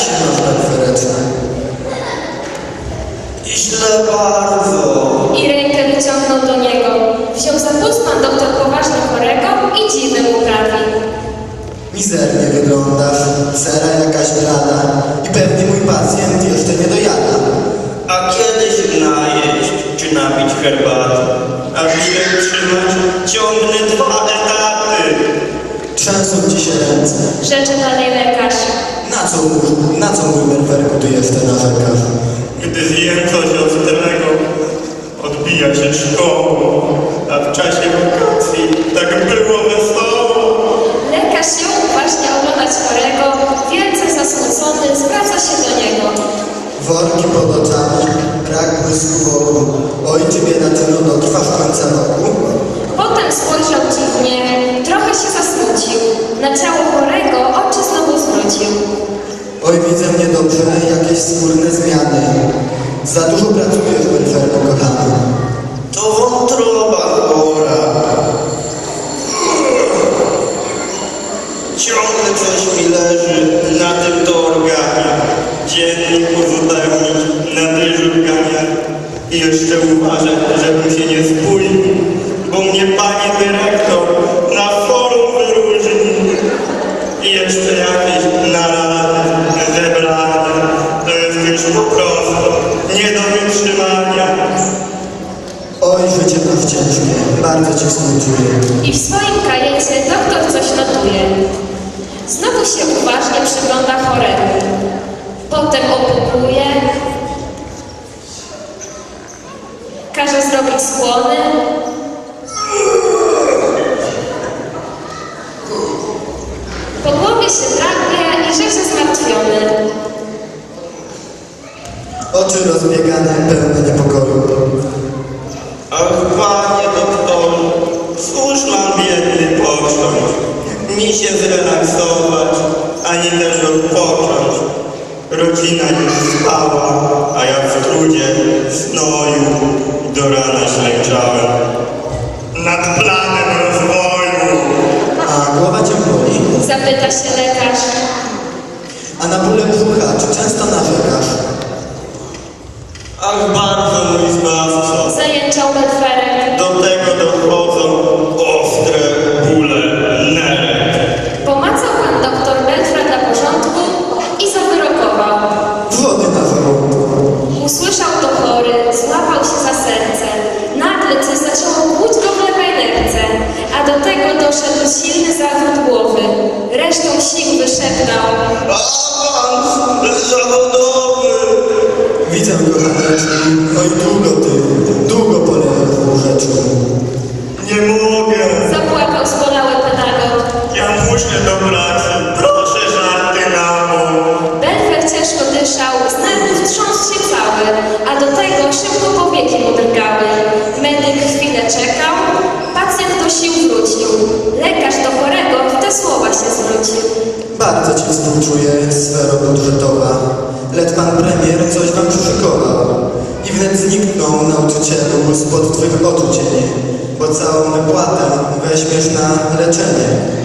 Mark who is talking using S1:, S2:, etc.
S1: się masz, Belferecie?
S2: Źle bardzo.
S3: I rękę wyciągnął do niego. Wziął za pust pan doktor poważnie chorego i dziwy mu prawi.
S1: Mizernie wyglądasz, cera jakaś blada i pewnie mój pacjent jeszcze nie dojada.
S2: A kiedy się najeść, czy napić herbaty? Aby się utrzymać, ciągnę 2 etaty.
S1: Trzęsą ci się ręce.
S3: Rzecze dalej lekarz.
S1: Na co mój Belferku ty jeszcze narzekasz?
S2: Gdy zjem coś ostrego, odbija się szkołą, a w czasie wakacji tak było wesoło.
S3: Lekarz ją uważnie oglądać chorego, wielce zasmucony, zwraca się do niego.
S1: Worki pod oczami, brak błysku wokół. Oj, czy bieda ty no dotrwasz końca roku?
S3: Potem spojrzał dziwnie, trochę się zasmucił. Na ciało chorego oczy znowu zwrócił.
S1: Oj, widzę niedobrze, jakieś skórne zmiany. Za dużo pracujesz, Belferku kochany.
S2: To wątroba chora. Ciągle coś mi leży na tym to organie. Dziennik uzupełnić, na dyżurkanie. I jeszcze uważać, żebym się nie spóźnił, bo mnie pani dyrektor na forum wyróżni. I jeszcze jakieś narady, zebrane. To jest już po prostu nie do wytrzymania.
S1: Oj, życie masz ciężkie, bardzo ci współczuję.
S3: I w swoim kajecie doktor coś notuje. Znowu się uważnie przygląda choremu. Potem opukuje. Każe zrobić skłony. Po głowie się drapie i rzeczy zmartwiony.
S1: Oczy rozbiegane, pełne niepokoju.
S2: Ach, panie doktorze, cóż mam biedny począć? Ni się zrelaksować, ani też odpocząć. Rodzina już spała, a ja w trudzie, znoju do rana ślęczałem. Nad planem rozwoju.
S1: A głowa cię boli?
S3: Zapyta się lekarz.
S1: A na bóle brzucha, czy często narzekasz?
S2: Ach, bardzo mój zbawco.
S3: Zajęczał Belferek.
S2: Do tego dochodzą ostre bóle nerek.
S3: Pomacał pan doktor Belfra dla porządku i zawyrokował.
S1: Wody na żołądku.
S3: Usłyszał to chory, złapał się za serce. Nagle coś zaczęło kłuć go w lewej nerce, a do tego doszedł silny zawrót głowy. Resztą sił wyszeptał.
S2: Awans zawodowy.
S1: Widzę, kochaneczku, oj długo polejesz w łóżeczku.
S2: Nie mogę.
S3: Zapłakał zbolały pedagog.
S2: Ja muszę do pracy. Proszę żarty na bok.
S3: Belfer ciężko dyszał, z nerwów trząsł się cały, a do tego szybko powieki mu drgały. Medyk chwilę czekał, pacjent do sił wrócił. Lekarz do chorego w te słowa się zwrócił.
S1: Bardzo ci współczuję, sfero budżetowa. Lecz pan premier coś wam przyszykował. I wnet zniknął nauczycielu spod twych oczu cienie, bo całą wypłatę weźmiesz na leczenie.